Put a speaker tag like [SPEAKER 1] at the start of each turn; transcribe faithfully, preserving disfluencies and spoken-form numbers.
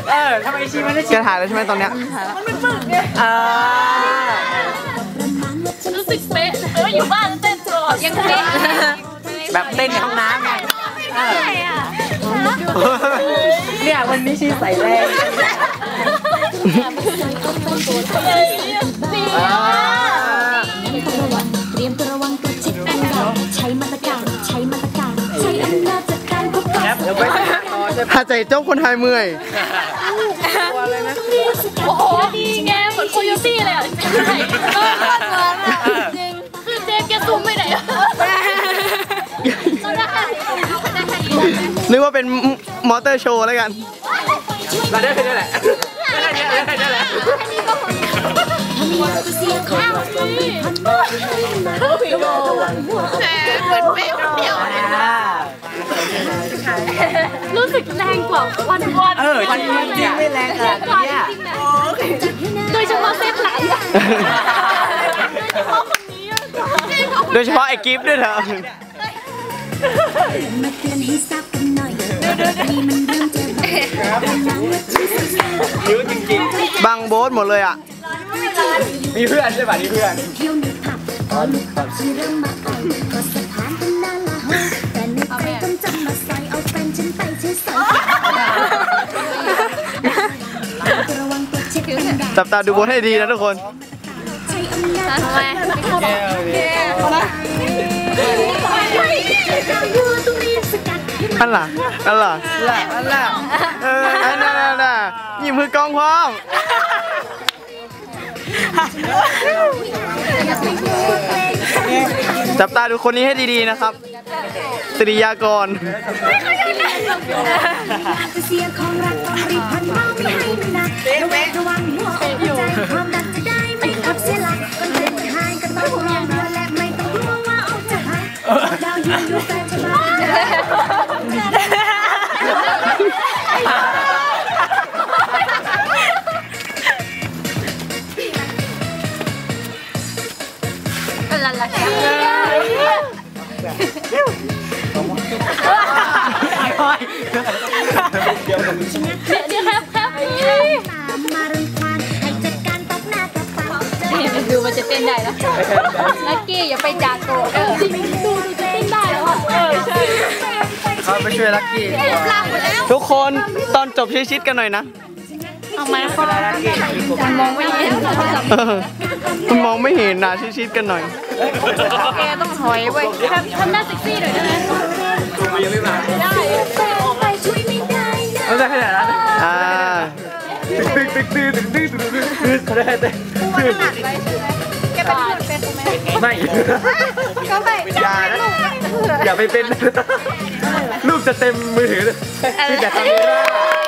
[SPEAKER 1] เออทำไมชีมันได้ชีจะถ่ายแล้วใช่ไหมตอนเนี้ยมันไม่ฝึกไงอ่า
[SPEAKER 2] รู้สึกเป๊ะเอออยู่บ้านเต้นตลอดยังเป๊ะ
[SPEAKER 1] แบบเต้นในห้องน้ำไงเนี่ยวันนี้ชีใส่แรง
[SPEAKER 3] เตรียมตัวระวังกระชิดกันใช้มาตรการใช้มาตรการใช้อำนาจจัดการพบกัน
[SPEAKER 1] ถ้าใจเจ้าคนไทยเมื่อย
[SPEAKER 2] โอ้โหดีแกเหมือนโคโยตี้เลยอ่ะใช่คือเจมแกซูมไม่ได้
[SPEAKER 1] นึกว่าเป็นมอเตอร์โชว์แล้วกันเราได้แค่นี้แหละได้แค่นี้ได้แค่นี้แหละ
[SPEAKER 2] รู้สึกแรงกว่าวันวัน
[SPEAKER 1] เออวันจริงไม่แรงขนาดนี้
[SPEAKER 2] โดยเฉพาะเซฟหลัง
[SPEAKER 1] โดยเฉพาะไอ้กิฟต์ด้วยเถอะยืดจริงๆบังโบ๊ทหมดเลยอ่ะมีเพื่อนใช่ป่ะนี่เพื่อนจับตาดูโบ๊ทให้ดีนะทุกคน
[SPEAKER 2] ทำไม
[SPEAKER 1] อันล่ะอันล่ะอันล่ะเอออันนั้นน่ะยิ้มมือกองพร้อมจับตาดูคนนี้ให้ดีๆนะครับสิริยากร
[SPEAKER 2] ลาลาเดี๋ยวเดี๋ยวครับครับดูมันจะเต้นได้แล้วลักกี้อย่าไปจากโกเออดูดูจะเต้นได้แล้วเออใช่
[SPEAKER 1] เขาไปช่วยลักกี้ทุกคนตอนจบชิดๆกันหน่อยนะ
[SPEAKER 2] เอาไหมมันมองไม่เห็น
[SPEAKER 1] มันมองไม่เห็นนะชิดๆกันหน่อย
[SPEAKER 2] แกต้องถอยไว้ทำทำหน้าเซ็กซี่หน่อยได้ไหม
[SPEAKER 1] ยังไม่มา
[SPEAKER 2] ได้
[SPEAKER 1] เอาได้ขนาดนั้นอ่าตึ๊ดตึ๊ดตึ๊ดตึ๊ดตึ๊ดตึ๊ดตึ๊ดเขาได้แต่
[SPEAKER 2] ปูถนัดไว้ใช่ไหมแกเป็นเป็นไหม
[SPEAKER 1] ไม่
[SPEAKER 2] ก็ไม่
[SPEAKER 1] อย่านะอย่าไปเป็นลูกจะเต็มมือถือเลยที่จะทำได้